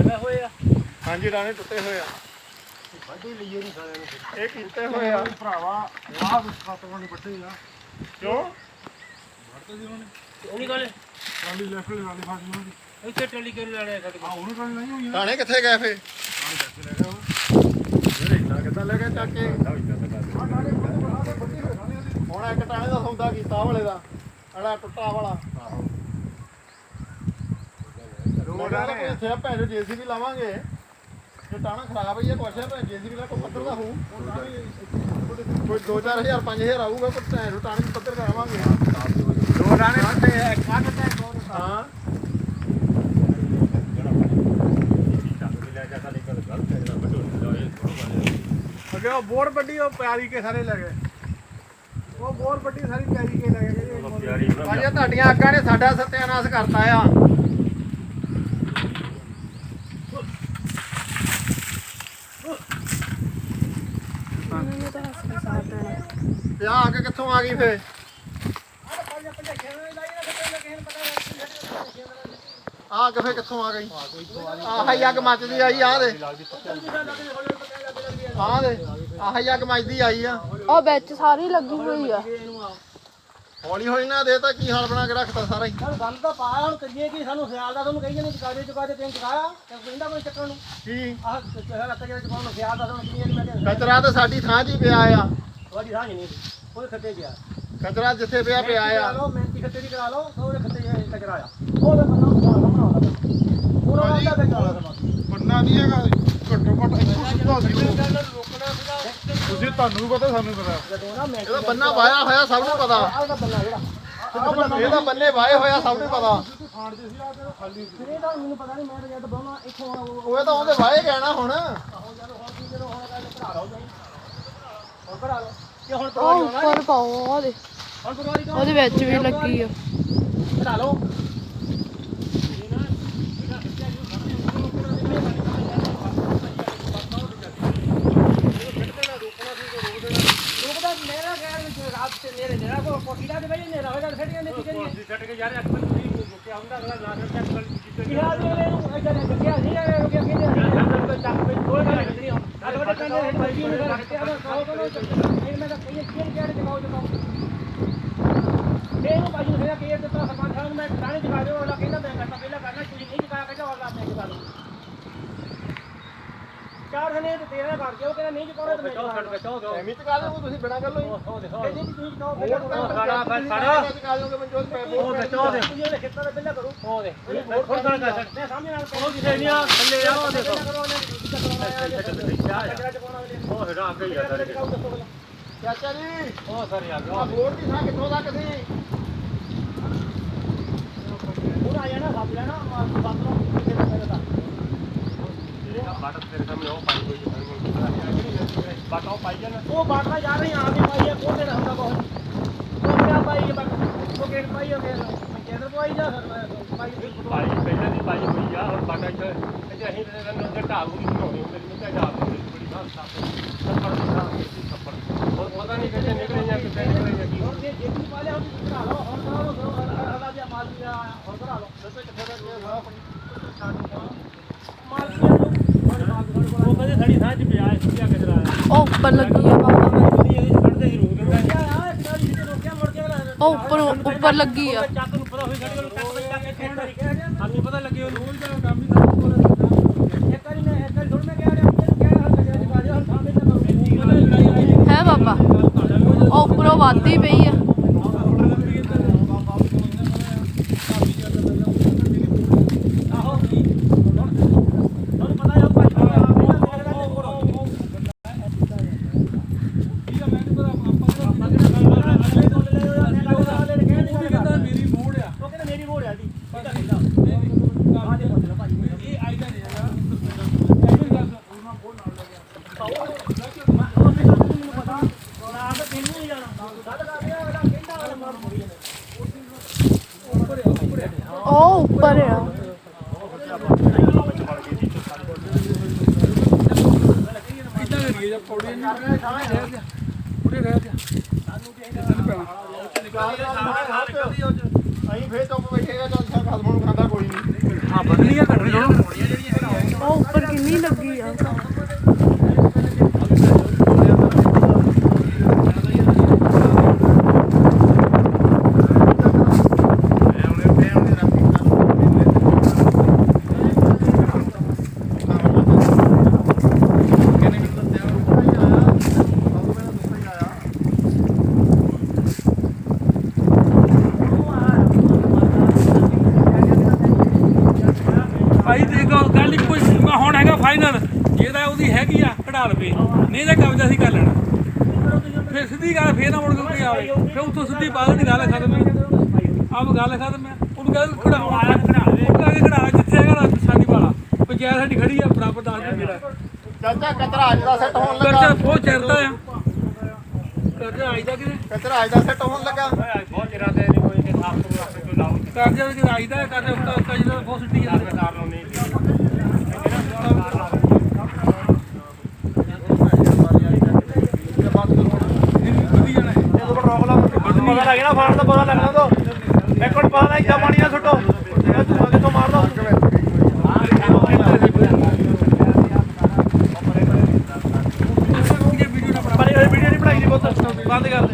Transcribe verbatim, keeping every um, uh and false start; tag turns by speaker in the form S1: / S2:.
S1: ਹਾਂਜੀ ਡਾਣੇ ਟੁੱਟੇ ਹੋਏ ਆ
S2: ਵੱਢੀ ਲਈਏ ਨਹੀਂ ਸਾਰਿਆਂ ਨੂੰ
S1: ਇਹ ਕੀਤੇ ਹੋਏ ਆ
S2: ਭਰਾਵਾ ਆਹ ਸੱਤ ਨੇ ਵੱਢੇ ਆ
S1: ਕਿਉਂ
S2: ਵੱਢਦੇ ਜੀ ਉਹਨੇ
S3: ਉਹਨੀ ਗੱਲ
S2: ਟਰਾਲੀ ਲੈਫਟ ਵਾਲੀ ਫਾਸੀ ਉਹਦੀ
S3: ਇੱਥੇ ਟੱਲੀ ਕਿਉਂ ਲੜਿਆ ਸਾਡੇ
S2: ਆ ਉਹਨੂੰ ਟਰਾਲੀ ਨਹੀਂ ਹੋਈ
S1: ਡਾਣੇ ਕਿੱਥੇ ਗਏ ਫੇ
S2: ਆਹ ਚੱਕ ਲੈ ਗਿਆ ਉਹ
S1: ਜਿਹੜੇ ਇੰਨਾ ਕਿੱਦਾਂ ਲੈ ਕੇ ਚੱਕ ਕੇ ਹੁਣ ਇੱਕ ਟਾਣੇ ਦਾ ਸੌਦਾ ਕੀਤਾ ਵਾਲੇ ਦਾ ਅੜਾ ਟੁੱਟਾ ਵਾਲਾ ਰੋਡ ਆ ਕੋਈ ਇੱਥੇ ਭੈਣ ਜੇਸੀਬੀ ਲਾਵਾਂਗੇ ਜੇ ਟਾਣਾ ਖਰਾਬ ਹੀ ਆ ਕੁਛ ਹੈ ਭੈਣ ਜੇਸੀਬੀ ਦਾ ਕੋਈ ਪੱਧਰ ਦਾ ਹੋਊ ਕੋਈ ਦੋ ਚਾਰ ਹਜ਼ਾਰ ਪੰਜ ਹਜ਼ਾਰ ਆਊਗਾ ਪਰ ਭੈਣ ਟਾਣੇ ਪੱਧਰ ਕਰਾਵਾਂਗੇ
S2: ਦੋ ਟਾਣੇ ਵੱਢੇ ਆ ਇੱਕ ਅੱਧ ਤੇ ਦੋ
S1: ਹਾਂ
S2: ਅੱਗੇ ਉਹ ਬੋਰ ਵੱਡੀ ਉਹ ਪਿਆਰੀ ਕੇ ਸਾਰੇ ਲੈ ਗਏ ਉਹ ਬੋਰ ਵੱਡੀ ਸਾਰੀ ਪਿਆਰੀ ਕੇ ਲੈ ਗਏ
S1: ਭਾਜੀ ਤੁਹਾਡੀਆਂ ਅੱਗਾਂ ਨੇ ਸਾਡਾ ਸਤਿਆਨਾਸ਼ ਕਰਤਾ ਆ ਤੇ ਆ ਅੱਗ ਕਿੱਥੋਂ ਆ ਗਈ ਫੇ ਆ ਅੱਗ ਫੇ ਕਿੱਥੋਂ ਆ ਗਈ ਆਹ ਹੀ ਅੱਗ ਮੱਚਦੀ ਆਈ ਆ ਦੇ ਆ ਦੇ ਆਹ ਹੀ ਅੱਗ ਮੱਚਦੀ ਆਈ ਆ
S4: ਉਹ ਵਿੱਚ ਸਾਰੀ ਲੱਗੀ ਹੋਈ ਆ
S1: ਹੌਲੀ ਹੌਲੀ ਨਾ ਦੇ ਤਾਂ ਕੀ ਹਾਲ ਬਣਾ ਕੇ ਰੱਖਤਾ ਸਾਰਾ ਹੀ
S3: ਸਾਨੂੰ ਗੱਲ ਤਾਂ ਪਾ ਹੁਣ ਕਰੀਏ ਕਿ ਸਾਨੂੰ ਖਿਆਲ ਦਾ ਤੁਹਾਨੂੰ ਕਹੀਏ ਨਹੀਂ ਚੁਕਾ ਦੇ ਚੁਕਾ ਦੇ ਤੈਨੂੰ ਚੁਕਾਇਆ ਤੇ ਕਹਿੰਦਾ ਕੋਈ ਚੱਕਰ ਨੂੰ
S1: ਕੀ
S3: ਆਹ ਚਿਹਰਾ ਰੱਖ ਕੇ ਚੁਕਾਉਣ ਨੂੰ ਖਿਆਲ ਦਾ ਤੁਹਾਨੂੰ ਕਹੀਏ ਮੈਂ ਤੇ
S1: ਕਚਰਾ ਤਾਂ ਸਾਡੀ ਥਾਂ 'ਚ ਹੀ ਪਿਆ ਆ
S3: ਤੁਹਾਡੀ ਰਾਹ ਨਹੀਂ ਕੋਈ ਖੱਤੇ ਗਿਆ
S1: ਕਚਰਾ ਜਿੱਥੇ ਪਿਆ ਪਿਆ
S3: ਕਰਾ
S1: ਆ
S3: ਲਓ ਮਿਹਨਤੀ ਖੱਤੇ ਦੀ ਕਰਾ ਲਓ ਉਹਦੇ ਖੱਤੇ ਕਚਰਾ ਆ ਉਹਦੇ ਬੰਦਾ ਸਾਹਮਣਾ ਆਉਂਦਾ ਪੂਰਾ ਬੰਦਾ ਤੇ ਕਰਾ ਲਓ
S2: ਬੰਨਾ ਨਹੀਂ ਹੈਗਾ ਘੱਟੋ ਘੱਟ ਇੱਥੋਂ ਸਿੱਧਾ ਸੀ
S3: ਰੋਕਣਾ ਸੀਗਾ
S2: ਤੁਸੀਂ ਤੁਹਾਨੂੰ ਵੀ ਪਤਾ ਸਾਨੂੰ ਵੀ ਪਤਾ
S3: ਜਦੋਂ ਨਾ ਮੈਂ
S1: ਇਹਦਾ ਬੰਨਾ ਵਾਇਆ ਹੋਇਆ ਸਭ ਨੂੰ ਪਤਾ
S3: ਆਹ ਦਾ ਬੰਦਾ ਜਿਹੜਾ
S1: ਇਹਦਾ ਬੰਨੇ ਵਾਏ ਹੋਇਆ ਸਭ ਨੂੰ ਪਤਾ
S2: ਖਾਣ ਦੇ ਸੀ ਆ ਤੇ ਖਾਲੀ ਸੀ
S3: ਫਿਰ ਇਹ ਤਾਂ ਮੈਨੂੰ ਪਤਾ ਨਹੀਂ ਮੈਂ ਤਾਂ ਜਦ ਬਾਉਣਾ ਇੱਥੋਂ ਉਹ
S1: ਉਹ ਤਾਂ ਉਹਦੇ ਵਾਏ ਕਹਿਣਾ ਹੁਣ
S3: ਜਦੋਂ ਹੁਣ ਕੀ ਜਦੋਂ ਹੁਣ ਗੱਲ ਭਰਾ ਲਓ ਜਾਈ ਹੁਣ ਭਰਾ ਲਓ ਕਿ ਹੁਣ
S4: ਉਹ
S3: ਪਰਵਾਰੀ ਹੋਣਾ
S4: ਉੱਪਰ ਪਾਓ ਉਹਦੇ
S3: ਹੁਣ ਪਰਵਾਰੀ ਕੌਣ
S4: ਉਹਦੇ ਵਿੱਚ ਵੀ ਲੱਗੀ ਆ
S3: ਭਰਾ ਲਓ ਰੁਕਦਾ ਮੇਰਾ ਗੈਰ ਵਿੱਚ ਰਾਤ ਤੇ ਮੇਰੇ ਜਿਹੜਾ ਕੋ ਕੋਠੀ ਦਾ ਤੇ ਬਈ ਨੇ ਰਹੇਗਾ ਫਿਰ ਇਹਨੇ ਕੀ ਕਰੀਏ
S2: ਛੱਡ ਕੇ ਯਾਰ ਅੱਖ ਨਹੀਂ ਰੁਕਿਆ ਹੁੰਦਾ ਅਗਲਾ ਨਾ ਕਰ ਚੱਕ ਕਰ
S3: ਕੀ ਹਾਲ ਦੇ ਨੂੰ ਇਦਾਂ ਨੇ ਕਿਹਾ ਨਹੀਂ ਇਹ ਰੁਕਿਆ ਕਿਹਨੇ ਚੱਕ ਪਈ ਕੋਈ ਗੱਲ ਨਹੀਂ ਹੁਣ ਅੱਜ ਬੜੇ ਕੰਨੇ ਹੈ ਬੱਜੀ ਨੂੰ ਰੱਖਿਆ ਵਾ ਕਹੋ ਕਹੋ ਇਹ ਮੈਂ ਤਾਂ ਕਹੀਏ ਕੀ ਕਿਹੜੇ ਜਗਾਓ ਜਗਾਓ ਇਹਨੂੰ ਬਾਜੀ ਨੂੰ ਕਿਹਾ ਕਿ ਇਹ ਤਾਂ ਸਰਪੰਚ ਸਾਹਿਬ ਨੂੰ ਮੈਂ ਥਾਣੇ ਦਿਖਾ ਦਿਓ ਉਹਦਾ ਕਹਿੰਦਾ ਮੈਂ ਕਰਤਾ ਪਹਿਲਾਂ ਕਰਨਾ ਤੁਸੀਂ ਨਹੀਂ ਦਿਖਾਇਆ ਕਹਿੰਦਾ ਹੋਰ ਮੈਂ ਦਿਖਾ ਦੂੰ ਚਾਰ ਜਣੇ ਤੇ ਤੇਰਾ ਕਰ ਦਿਓ ਕਹਿੰਦਾ ਨਹੀਂ ਦਿਖਾਉਣਾ ਤੇ ਮੈਂ ਦਿਖਾ ਦੂੰ
S1: ਐਵੇਂ ਚਕਾ ਦੇ ਤੁਸੀਂ ਬਿਨਾ ਗੱਲ ਹੋਈ
S3: ਉਹ ਦੇਖੋ ਕਹਿੰਦੇ ਕਿ ਤੁਸੀਂ ਦਿਖਾਓ ਪਹਿਲਾਂ
S1: ਖੜਾ ਖੜਾ ਚਕਾ ਦੋਗੇ ਮਨਜੋਤ ਪੈਸੇ
S3: ਉਹ ਦੇਖੋ ਦੇ ਤੁਸੀਂ ਉਹਦੇ ਖੇਤਾਂ ਦੇ ਪਹਿਲਾਂ ਕਰੋ ਉਹ ਦੇ ਹੋਰ ਗੱਲ ਕਰ ਸਕਦੇ ਮੈਂ ਸਾਹਮਣੇ ਨਾਲ ਉਹ ਕਿਸੇ ਨਹੀਂ ਆ ਥੱਲੇ ਆ ਉਹ ਦੇਖੋ
S2: ਉਹ ਹੈਗਾ ਅੱਗੇ ਹੀ ਆ ਸਾਰੇ
S1: ਚਾਚਾ ਜੀ
S2: ਉਹ ਸਾਰੇ ਆ
S1: ਆ ਬੋਰ ਦੀ ਥਾਂ ਕਿੱਥੋਂ ਤੱਕ ਸੀ
S3: ਹੁਣ ਆ ਜਾਣਾ ਸੱਦ ਲੈਣਾ ਸੱਦ ਲਓ ਕਿੱਥੇ ਦਾ ਪਹਿਲਾਂ
S2: ਬਾਟ ਤੇਰੇ ਸਾਹਮਣੇ ਉਹ ਪਾਈ ਹੋਈ ਹੈ ਬਾਟ ਉਹ ਪਾਈ ਜਾਣਾ
S3: ਉਹ ਬਾਟਾ ਜਾ ਰਹੀ ਆ ਆਦੀ ਪਾਈ ਹੈ ਕੋਤੇ ਹੁੰਦਾ ਬਹੁਤ ਉਹ ਕਿਆ ਪਾਈ ਹੈ ਬਾਟ ਉਹ ਕਿਹੜ ਪਾਈ ਹੋ ਗਿਆ ਕਿਹਦਰ ਪਾਈ ਜਾ ਪਾਈ
S2: ਪਾਈ ਪਹਿਲਾਂ ਦੀ ਪਾਈ ਹੋਈ ਆ ਹੁਣ ਬਾਟਾ ਇੱਥੇ ਇੱਥੇ ਅਸੀਂ ਤੇ ਨੰਦਰ ਢਾਲ ਨੂੰ ਬਣਾਉਣੀ ਹੁੰਦੀ ਨਹੀਂ ਤਾਂ ਜਾ ਬੜੀ ਬਾਤ ਸਾਫ ਸੱਪੜ ਹੋਰ ਪਤਾ ਨਹੀਂ ਕਿੱਥੇ ਨਿਕਲੇ ਜਾਂ ਕਿੱਥੇ ਨਿਕਲੇ ਜਾਂ ਕੀ
S3: ਹੁਣ ਜੇ ਜੇ ਵੀ ਪਾਲਿਆ ਹੁਣ ਤੁਸੀਂ ਭਰਾ ਲਓ ਹੁਣ ਕਰਾ ਲਓ ਹਲਾ ਜਿਹਾ ਮਾਲ ਦੀ ਹੁਣ ਭਰਾ ਲਓ
S1: ਦੱਸੋ ਕਿੱਥੇ ਤੱਕ ਗਿਆ ਸਾਰਾ
S3: ਮਾਲ ਦੀ ਉਹ ਕਹਿੰਦੇ ਸਾਡੀ ਸਾਹ ਚ ਪਿਆ ਇਸ ਕਿਆ ਕਚਰਾ
S4: ਉਹ ਉੱਪਰ ਲੱਗੀ ਆ ਬਾਬਾ
S3: ਛੱਡਦੇ ਹੀ ਰੋਕ ਦਿੰਦਾ ਆ ਕਿਹੜਾ ਜਿਹਨੇ ਰੋਕਿਆ ਮੁੜ ਕੇ
S4: ਉਹ ਉੱਪਰ ਉੱਪਰ ਲੱਗੀ ਆ
S3: ਚੱਕ ਨੂੰ ਪਤਾ ਹੋਈ ਸਾਡੇ ਕੋਲ ਚੱਕ ਚੱਕ ਕੇ ਖੇਤ ਵਾਲੀ ਕਹਿ ਰਿਹਾ ਸਾਨੂੰ ਪਤਾ ਲੱਗੇ ਉਹ ਰੋਜ਼ ਦਾ ਕੰਮ ਹੀ ਸਾਡੇ ਕੋਲ ਇੱਕ ਵਾਰੀ ਮੈਂ ਇੱਕ ਵਾਰੀ ਥੋੜਾ ਮੈਂ ਕਹਿ ਰਿਹਾ ਮੈਨੂੰ ਕਹਿ ਰਿਹਾ ਕਚਰਾ ਚ ਪਾ ਦਿਓ ਹੁਣ ਸਾਹਮਣੇ ਤਾਂ
S4: ਹੈ ਬਾਬਾ ਉਹ ਉੱਪਰੋਂ ਵੱਧਦੀ ਪਈ ਆ ਉਹ ਉੱਪਰ ਆ
S2: ਕਿੱਦਾਂ ਕਰੀਏ ਜਾਂ ਪੌੜੀਆਂ ਨਹੀਂ ਰਹਿ ਗਿਆ ਪੂਰੇ ਰਹਿ ਗਿਆ ਸਾਨੂੰ ਕਿ ਨਹੀਂ ਪੈਣਾ
S1: ਅਸੀਂ ਫੇਰ ਚੁੱਪ ਬੈਠੇਗਾ ਚੱਲ ਖਾ ਖਸਮ ਨੂੰ ਖਾਂਦਾ ਕੋਈ ਨਹੀਂ
S2: ਹਾਂ ਬਦਲੀਆਂ ਕੱਢਣੀ ਜਿਹੜੀਆਂ
S4: ਗਰਮੀ ਲੱਗੀ ਆ
S3: ਭਾਈ ਦੇਖੋ ਗੱਲ ਇੱਕੋ ਹੀ ਹੁਣ ਹੈਗਾ ਫਾਈਨਲ ਜੇ ਤਾਂ ਉਹਦੀ ਹੈਗੀ ਆ ਕਢਾ ਲਵੇ ਨਹੀਂ ਤਾਂ ਕਬਜ਼ਾ ਸੀ ਕਰ ਲੈਣਾ ਫਿਰ ਸਿੱਧੀ ਗੱਲ ਫੇਰ ਨਾ ਮੁੜ ਕੇ ਕੋਈ ਆਵੇ ਫਿਰ ਉੱਥੋਂ ਸਿੱਧੀ ਬਾਅਦ ਦੀ ਗੱਲ ਖਤਮ ਆਪ ਗੱਲ ਖਤਮ ਹੈ ਉਹਨੂੰ ਕਹਿੰਦਾ ਕਢਾਉਣਾ ਕਢਾ ਦੇ ਉਹ ਕਹਿੰਦਾ ਕਢਾ ਜਿੱਥੇ ਹੈਗਾ ਸਾਡੀ ਵਾਲਾ ਪੰਚਾਇਤ ਸਾਡੀ ਖੜੀ ਆ ਬਰਾਬਰ ਦੱਸ ਦੇ ਜਿਹੜਾ
S1: ਚਾਚਾ ਕਤਰਾ ਅੱਜ ਦਾ ਸੈੱਟ ਹੋਣ ਲੱਗਾ
S3: ਕਰਜ਼ਾ ਬਹੁਤ ਚਿਰਦਾ ਆ ਕਰਜ਼ਾ ਆਈਦਾ ਕਿਤੇ
S1: ਕਤਰਾ ਅੱਜ ਦਾ ਸੈੱਟ ਹੋਣ ਲੱਗਾ
S2: ਬਹੁਤ ਚਿਰਾਂ ਤੇ ਨਹੀਂ ਕੋਈ ਤੇ ਸਾਫ ਤੋਂ ਆਪਣੇ ਕੋਈ ਲਾਉ
S3: ਕਰਜ਼ਾ ਵਿੱਚ ਆਈਦਾ ਕਰਜ਼ਾ ਉੱਤਾ ਉੱਤਾ ਜਿਹੜਾ ਬਹੁਤ ਸਿੱਟੀ ਜਾਂਦਾ
S2: ਸਰਕਾਰ ਨੂੰ ਨਹੀਂ
S1: ਪਤਾ ਲੱਗ ਨਾ ਫਾੜ ਦਾ ਪਤਾ ਲੱਗਣਾ ਤੋਂ ਇੱਕ ਮਿੰਟ ਪਤਾ ਲੱਗ ਜਾ ਪਾਣੀ ਨਾ ਸੁੱਟੋ ਇਹ ਤੂੰ ਕਿੱਥੋਂ ਮਾਰ ਦੋ ਪਰ ਇਹ ਵੀਡੀਓ ਨਹੀਂ ਬਣਾਈ ਦੀ ਬਹੁਤ ਬੰਦ ਕਰ ਦੇ